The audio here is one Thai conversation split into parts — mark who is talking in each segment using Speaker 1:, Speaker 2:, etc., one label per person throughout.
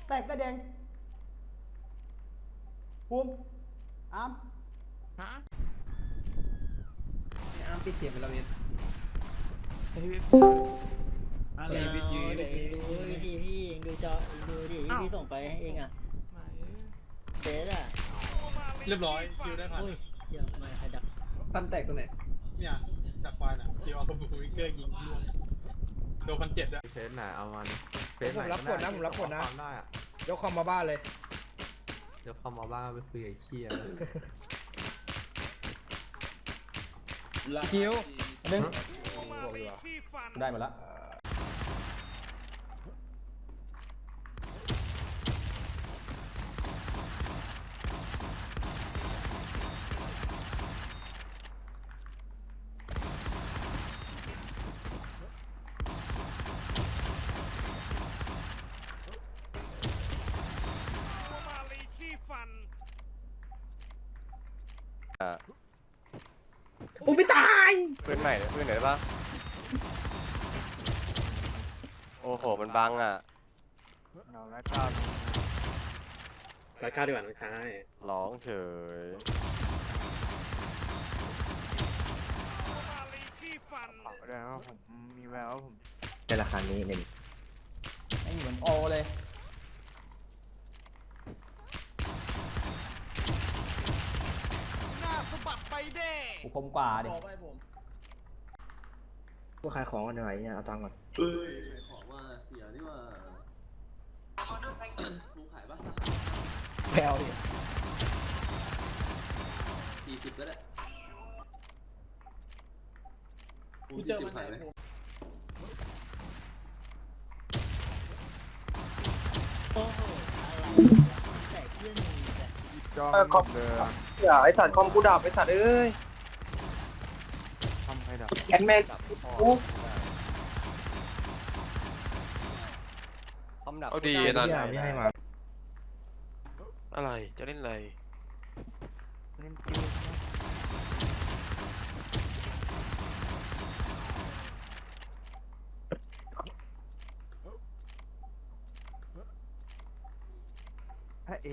Speaker 1: แตกได้แดงภูมิอาร์ม
Speaker 2: ฮะ
Speaker 3: อาร์มปิดเสียงไปแล้วเนี่ย
Speaker 4: เดี๋ยวดูวิธีพี่เองดูจอเองดูดิที่พี่ส่งไปให้เองอ่ะเฟซอ่ะ
Speaker 5: เรียบร้อยคิวได้พัน
Speaker 4: อุ้ยเดี๋ยวมาใครดัก
Speaker 3: ฟันแตกตรงไหน
Speaker 5: เนี่ยจากควายน่ะคิวเอาบูวิเกอร์ยิงล่วงโดน1,700ด้วย
Speaker 2: เฟสไหนเอามันเฟส
Speaker 6: ผมรับกดนะผมรับกดนะ
Speaker 2: ได้อะ
Speaker 6: ยกคอมมาบ้านเลย
Speaker 2: เดี๋ยวเข้ามาบ้านไปคุยกับไอ้เชี่ย
Speaker 6: คิว
Speaker 1: ดึง
Speaker 6: บอกดีกว่า
Speaker 1: ได้หมดละ
Speaker 3: กูไม่ตาย
Speaker 7: ปืนใหม่เลยปืนไหนได้ปะโอ้โหมันบังอ่ะ
Speaker 3: รายการดีกว่าน้องชาย
Speaker 7: ร้องเฉย
Speaker 3: ในราคานี้หนึ่ง
Speaker 1: ไอ้เหมือนโอเลยกูคมกว่าดิ
Speaker 3: พวกขายของกันหน่อยเนี่ยเอาตังค์ก่อน
Speaker 8: ของว่าเสียนี่ว่ากูขายป่ะ
Speaker 1: แพลวดิ
Speaker 8: 40ก็ได้กูเจอมันขายไหม
Speaker 4: โอ้โหอะไรแตกเพื่อนมึงแต่
Speaker 2: จอมเดิม
Speaker 3: อย่าไอ้สัตว์คอมกูดับไอ้สัตว์เอ้ย
Speaker 2: ทำให้ดับ
Speaker 3: แอนแมนกู
Speaker 7: คอมดับ
Speaker 9: เอาดีไอ้นั่น
Speaker 3: ไม่ให้มา
Speaker 9: อะไรจะเล่นอะไร
Speaker 2: เล่นเกมนะถ้าเอ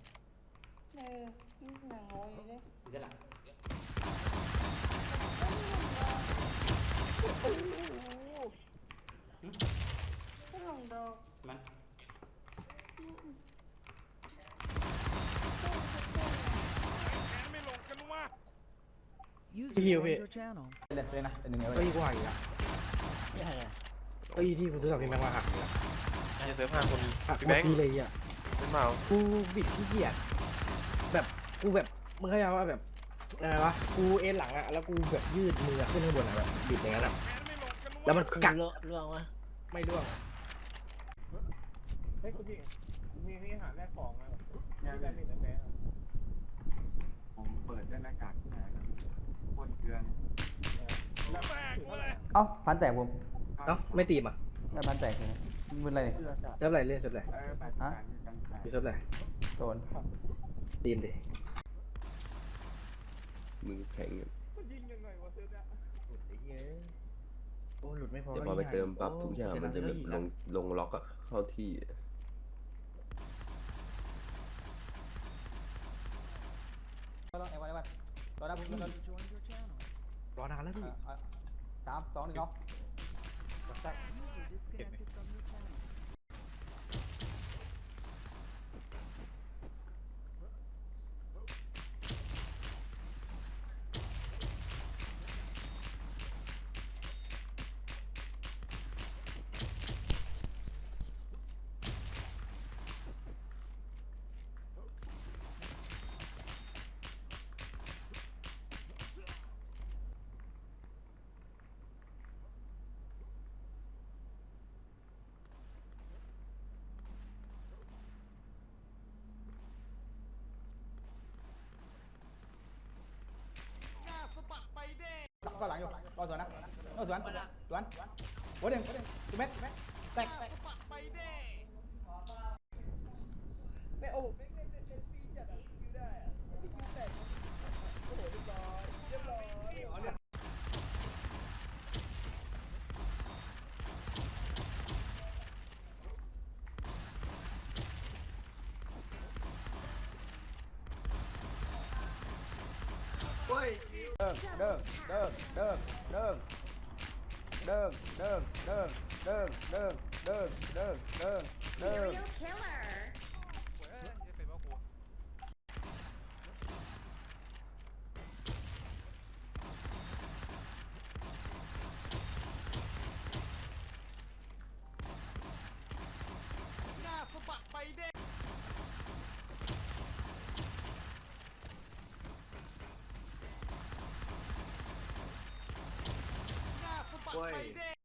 Speaker 6: พี่คิวพี่
Speaker 1: เล่นเลยนะเป็นหนึ่งเลย
Speaker 6: เฮ้ยกูหายอีกแล้ว
Speaker 4: ไม่ใช่อะ
Speaker 6: เฮ้ยที่กูซื้อกับพี่แม็กมาหักอีกแล้ว
Speaker 9: อย่าเซิร์ฟ5 คน
Speaker 6: หัก
Speaker 9: พี่
Speaker 6: หม
Speaker 9: แบ
Speaker 6: ด
Speaker 9: งค์
Speaker 6: ทีเลยอ่ะ
Speaker 9: เป็นเมา
Speaker 6: กูบิดขี้เกียจแบบกูแบบมึงเข้าใจว่าแบบอะไรวะกูเอ็นหลังอ่ะแล้วกูแบบยืดมือขึ้นข้างบนอ่ะแบบบิดอย่างนั้นอ่ะแล้วมันกัด
Speaker 4: ล่วงวะ
Speaker 6: ไม่ร่วงเฮ้ยกูมีหาแลกของมาได้ไม่ได้แม่
Speaker 2: ผมเปิดด้วยหน้ากากที่ไหนนะคนเกลือน
Speaker 1: เอ้าพันแตกภูมิ
Speaker 6: เอ้าไม่ตีมอ่ะ
Speaker 1: ได้พันแตกเลยมึนอะไรเนี่ย
Speaker 6: เซิร์ฟอะไรเล่นเซิร์ฟอะไร
Speaker 1: ฮะ
Speaker 6: อยู่เซิร์ฟอะไร
Speaker 1: โดน
Speaker 6: ตีมดิ
Speaker 7: มือแข็งอยู่
Speaker 6: โอ้หลุดไม่พอ
Speaker 7: เดี๋ยวพอไปเติมปั๊บทุกอย่างมันจะแบบลงล็อกอะเข้าที่
Speaker 1: รอไอ้วันรอได้ภูมิรอ
Speaker 6: รอนานแล้วพี่
Speaker 1: 3 2 1เอาแตก ก็หลังอยู่รอสวนนะรอสวนโอ้เด้งเม็ดแตกไม่โอ้เป็นปีจัดอ่ะคิวได้อ่ะคิวแตกโอ้โหเรียบร้อย
Speaker 9: เว้ย